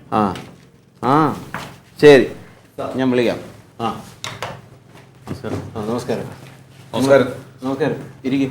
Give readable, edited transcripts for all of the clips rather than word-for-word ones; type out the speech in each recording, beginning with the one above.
ആ ആ ശരി, ഞാൻ വിളിക്കാം. ആ നമസ്കാരം. നമസ്കാരം. നമസ്കാരം. ഇരിക്കും.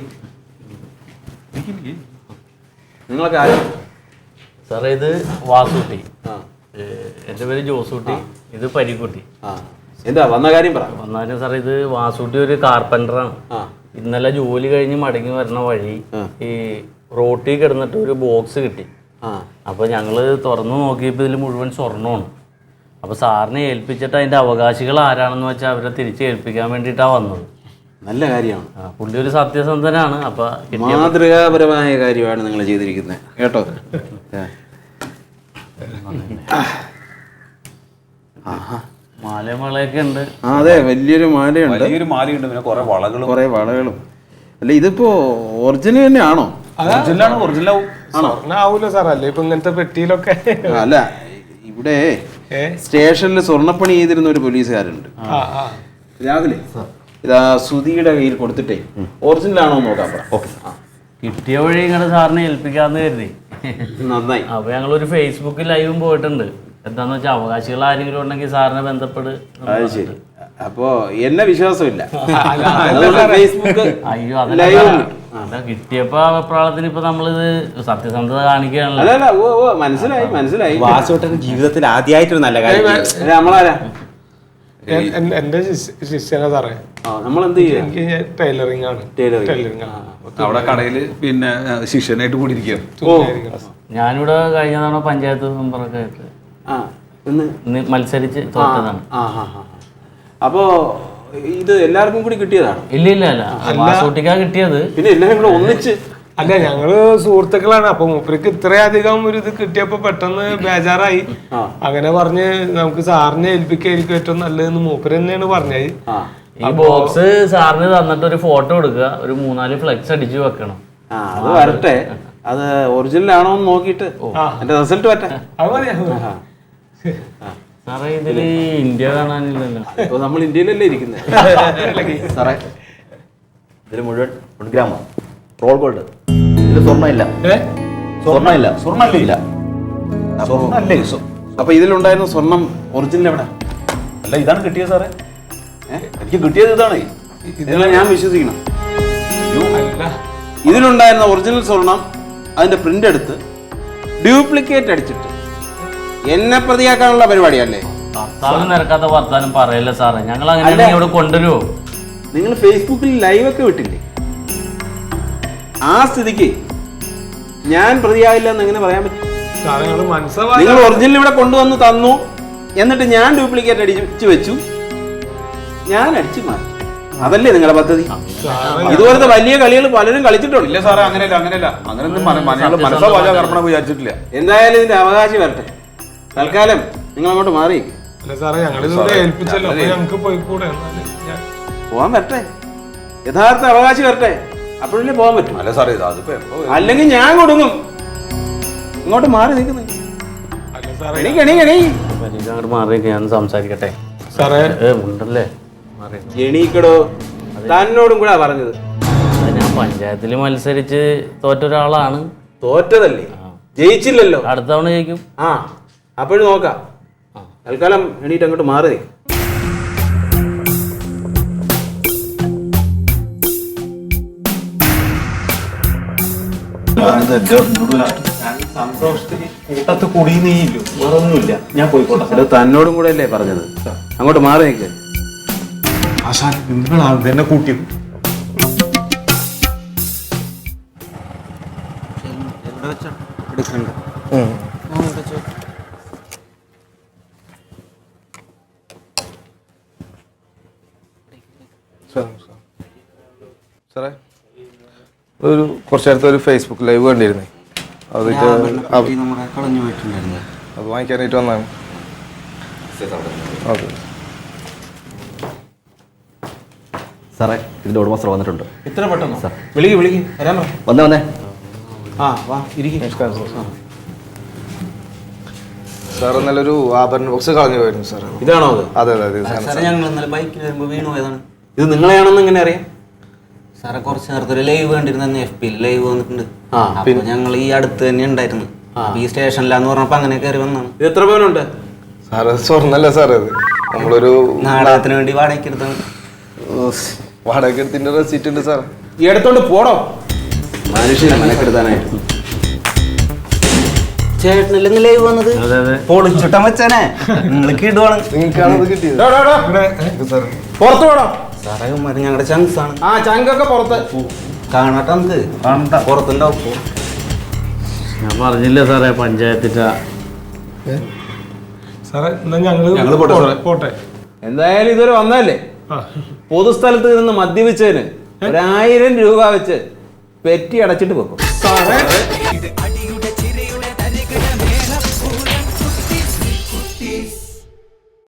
നിങ്ങളൊക്കെ ആരും? സാറേ, ഇത് വാസൂട്ടി. ആ, എൻ്റെ പേര് ജോസൂട്ടി. ഇത് പരിക്കുട്ടി. ആ, എന്താ വന്ന കാര്യം പറ. വന്നാലും സാറേ, ഇത് വാസൂട്ടി ഒരു കാർപ്പൻ്ററാണ്. ആ, ഇന്നലെ ജോലി കഴിഞ്ഞ് മടങ്ങി വരുന്ന വഴി ഈ റോട്ടിൽ കിടന്നിട്ട് ഒരു ബോക്സ് കിട്ടി. ആ, അപ്പോൾ ഞങ്ങൾ തുറന്നു നോക്കിയപ്പോൾ ഇതിൽ മുഴുവൻ സ്വർണ്ണമാണ്. അപ്പോൾ സാറിനെ ഏൽപ്പിച്ചിട്ട് അതിൻ്റെ അവകാശികൾ ആരാണെന്ന് വെച്ചാൽ അവരെ തിരിച്ച് ഏൽപ്പിക്കാൻ വേണ്ടിയിട്ടാണ് വന്നത്. നല്ല കാര്യമാണ്. പുള്ളി ഒരു സത്യസന്ധനാണ്. അപ്പോൾ മാതൃകാപരമായ കാര്യമാണ് നിങ്ങൾ ചെയ്തിരിക്കുന്നത് കേട്ടോ. മാലമളയൊക്കെ ഉണ്ട്. അതെ, വലിയൊരു മാലയുണ്ട്. പിന്നെ കുറെ വളകളും. അല്ല, ഇതിപ്പോ ഒറിജിനൽ തന്നെയാണോ? ആവൂലോ സാർ, അല്ലേ ഇപ്പൊ ഇങ്ങനത്തെ പെട്ടിയിലൊക്കെ. അല്ല, ഇവിടെ സ്റ്റേഷനിൽ സ്വർണ്ണപ്പണി ചെയ്തിരുന്ന ഒരു പോലീസുകാരുണ്ട്. രാവിലെ ഇതാ സുധിയുടെ കയ്യിൽ കൊടുത്തിട്ടേ ഒറിജിനൽ ആണോ നോക്കാൻ പറ. കിട്ടിയ വഴി ഇങ്ങനെ സാറിനെ ഏൽപ്പിക്കാന്ന് കരുതി. നന്നായി. അപ്പൊ ഞങ്ങളൊരു ഫേസ്ബുക്ക് ലൈവും പോയിട്ടുണ്ട്. എന്താന്ന് വെച്ചാൽ അവകാശികൾ ആരെങ്കിലും ഉണ്ടെങ്കിൽ സാറിനെ ബന്ധപ്പെട്. അത് ശരി. അപ്പോ എന്നെ വിശ്വാസമില്ല. അയ്യോ, അതല്ല, കിട്ടിയപ്പോ അഭിപ്രായത്തിന് ഇപ്പൊ നമ്മളിത് സത്യസന്ധത കാണിക്കുകയാണല്ലോ. മനസ്സിലായി. വാസുട്ടൻ ജീവിതത്തിൽ ആദ്യമായിട്ടൊരു നല്ല കാര്യം. നമ്മളാരാ? എന്റെ ശിഷ്യനാ സാറേ. നമ്മളെന്ത് ചെയ്യും? എനിക്ക് ടൈലറിംഗ് ആണ്. അവിടെ കടയില് പിന്നെ ശിഷ്യനായിട്ട് കൂടിയിരിക്കുകയാണ്. ഞാനിവിടെ കഴിഞ്ഞ തവണ പഞ്ചായത്ത് മെമ്പറൊക്കെ ആയിട്ട് മത്സരിച്ച് തോറ്റതാണ്. അപ്പോ ഇത് എല്ലാവർക്കും കൂടി കിട്ടിയതാണ്? ഇല്ല, വാസൂട്ടിക്കാ കിട്ടിയത്. പിന്നെ എല്ലാരും കൂടെ ഒന്നിച്ച്? അല്ല, ഞങ്ങള് സുഹൃത്തുക്കളാണ്. അപ്പൊ മൂപ്പർക്ക് ഇത്രയധികം ഒരു ഇത് കിട്ടിയപ്പോ പെട്ടെന്ന് ബേജാറായി. അങ്ങനെ പറഞ്ഞ് നമുക്ക് സാറിനെ ഏൽപ്പിക്കായിരിക്കും ഏറ്റവും നല്ലതെന്ന് മൂപ്പര് തന്നെയാണ് പറഞ്ഞത്. ഈ ബോക്സ് സാറിന് തന്നിട്ട് ഒരു ഫോട്ടോ എടുക്കുക, ഒരു 3-4 ഫ്ലെക്സ് അടിച്ചു വെക്കണം. അത് വരട്ടെ. അത് ഒറിജിനൽ ആണോ എന്ന് നോക്കിയിട്ട് എന്റെ റിസൾട്ട് വരട്ടെ. സാറേ, ഇതില് ഇന്ത്യ കാണാനില്ലല്ലോ. ഇപ്പൊ നമ്മൾ ഇന്ത്യയിലല്ലേ ഇരിക്കുന്നത് സാറേ, ഇതിൽ മുഴുവൻ 1 ഗ്രാമോ റോൾ ഗോൾഡ്. ഇതിൽ സ്വർണ്ണമില്ല. അപ്പൊ ഇതിലുണ്ടായിരുന്ന സ്വർണം ഒറിജിനൽ എവിടെ? അല്ല, ഇതാണ് കിട്ടിയത് സാറേ. എനിക്ക് കിട്ടിയത് ഇതാണ്. ഇതെല്ലാം ഞാൻ വിശ്വസിക്കണം. ഇതിലുണ്ടായിരുന്ന ഒറിജിനൽ സ്വർണം അതിന്റെ പ്രിന്റ് എടുത്ത് ഡ്യൂപ്ലിക്കേറ്റ് അടിച്ചിട്ട് എന്നെ പ്രതിയാക്കാനുള്ള പരിപാടിയല്ലേ? നിരക്കാത്ത വർത്താനം പറയല്ലേ സാറേ. ഞങ്ങൾ അങ്ങനെ ഇവിടെ കൊണ്ടുവരുമോ? നിങ്ങൾ ഫേസ്ബുക്കിൽ ലൈവ് ഒക്കെ വിട്ടില്ലേ? ആ സ്ഥിതിക്ക് ഞാൻ പ്രതിയാകില്ല എന്ന് എങ്ങനെ പറയാൻ പറ്റും? നിങ്ങൾ ഒറിജിനൽ ഇവിടെ കൊണ്ടുവന്ന് തന്നു, എന്നിട്ട് ഞാൻ ഡ്യൂപ്ലിക്കേറ്റ് അടിച്ചു വെച്ചു, ഞാൻ അടിച്ചു മാറ്റി. അതല്ലേ നിങ്ങളുടെ പദ്ധതി? ഇതുപോലത്തെ വലിയ കളികൾ പലരും കളിച്ചിട്ടുണ്ട്. ഇല്ല സാറേ, അങ്ങനെയല്ല. വിചാരിച്ചിട്ടില്ല. എന്തായാലും ഇതിന്റെ അവകാശം വരട്ടെ. തൽക്കാലം നിങ്ങൾ അങ്ങോട്ട് മാറി. പോവാൻ വരട്ടെ, യഥാർത്ഥ അവകാശം വരട്ടെ, അപ്പോഴല്ലേ പോകാൻ പറ്റും. അല്ല സാറേ, അല്ലെങ്കിൽ ഞാൻ കൊടുങ്ങും. ഇങ്ങോട്ട് മാറി നിൽക്കുന്നു. അങ്ങോട്ട് മാറി ഞാൻ സംസാരിക്കട്ടെ. ഉണ്ടല്ലേ, എണീക്കടോ. തന്നോടും കൂടെ പറഞ്ഞത്. ഞാൻ പഞ്ചായത്തിൽ മത്സരിച്ച് തോറ്റ ഒരാളാണ്. തോറ്റതല്ലേ, ജയിച്ചില്ലല്ലോ. അടുത്ത തവണ ജയിക്കും. അപ്പോഴും നോക്കാം. തൽക്കാലം എണീറ്റ് അങ്ങോട്ട് മാറി. സന്തോഷത്തിന് കൂട്ടത്ത് കുടിയുന്നേയില്ലോ, വേറൊന്നുമില്ല. ഞാൻ പോയിക്കോട്ടെ. തന്നോടും കൂടെ അല്ലേ പറഞ്ഞത്? അങ്ങോട്ട് മാറി നിൽക്ക്. നിങ്ങളാണ് തന്നെ കൂട്ടിയത്. എടുക്കണ്ട. സാറേ, കുറച്ചു നേരത്തെ ഒരു ഫേസ്ബുക്ക് ലൈവ് കണ്ടിരുന്നേ. അത് വാങ്ങിക്കാനായിട്ട് വന്നാണ്. ഓക്കെ സാറേ, ഇതിന്റെ ഉടമസ്ഥർ വന്നിട്ടുണ്ട്. ഇത്ര പെട്ടെന്ന് സാർ? വിളിക്ക് വരാൻ പറ. വന്നേ. വാ ഇരിക്കും. നമസ്കാരം സാർ. നല്ലൊരു ആഭരണ ബോക്സ് കളഞ്ഞു പോയിരുന്നു സാർ. ഇതാണോ അത്? അതെ. ബൈക്കിൽ വരുമ്പോൾ വീണു പോയതാണ്. ഇത് നിങ്ങളെയാണെന്ന് എങ്ങനെ അറിയാം? സാറേ, കുറച്ച് നേരത്തെ ഒരു ലൈവ് കണ്ടിരുന്നു. FB ലൈവ് വന്നിട്ടുണ്ട്. അപ്പൊ ഞങ്ങൾ ഈ അടുത്ത് തന്നെ ഉണ്ടായിരുന്നു. അപ്പൊ ഈ സ്റ്റേഷനിലാന്ന് പറഞ്ഞപ്പോ അങ്ങനെ കയറി വന്നാണ്. ഇത് എത്ര പവനുണ്ട്? സാറ് സ്വർണ്ണല്ല സാർ അത് നമ്മളൊരു നാടകത്തിന് വേണ്ടി വാടകയ്ക്ക് എടുത്താണ്. വാടക എടുത്തിന്റെ റെസീറ്റ് ഉണ്ട് സാർ. ഈ എടുത്തോണ്ട് പോടോ മനുഷ്യനെ മനക്കെടുത്താനായിട്ട്. ചേട്ടനല്ലേ ലൈവ് വന്നത്? അതെ അതെ. പൊളിച്ചുട്ടം വെച്ചാനേ നിങ്ങൾക്ക് ഇടുവാണ്. നിങ്ങൾക്കാണത് കിട്ടിയത്. ഡോ, ഡോ, ഡോ. പുറത്ത് പോടോ. സാറേ ഞങ്ങളുടെ ചങ്സ് ആണ്. ആ ചങ്കൊക്കെ പുറത്ത്. കാണട്ടെ നമുക്ക്. പുറത്തുണ്ടാവും. ഞാൻ പറഞ്ഞില്ലേ സാറേ പഞ്ചായത്തിൻ്റെ. സാറേ എന്നാ ഞങ്ങള് ഞങ്ങള് പോട്ടെ സാറേ. പോട്ടെ. എന്തായാലും ഇതുവരെ വന്നതല്ലേ, ആ പൊതുസ്ഥലത്ത് നിന്ന് മദ്യപിച്ചതിന് 1000 രൂപ വെച്ച് പെറ്റി അടച്ചിട്ട് വെക്കും. സാറേ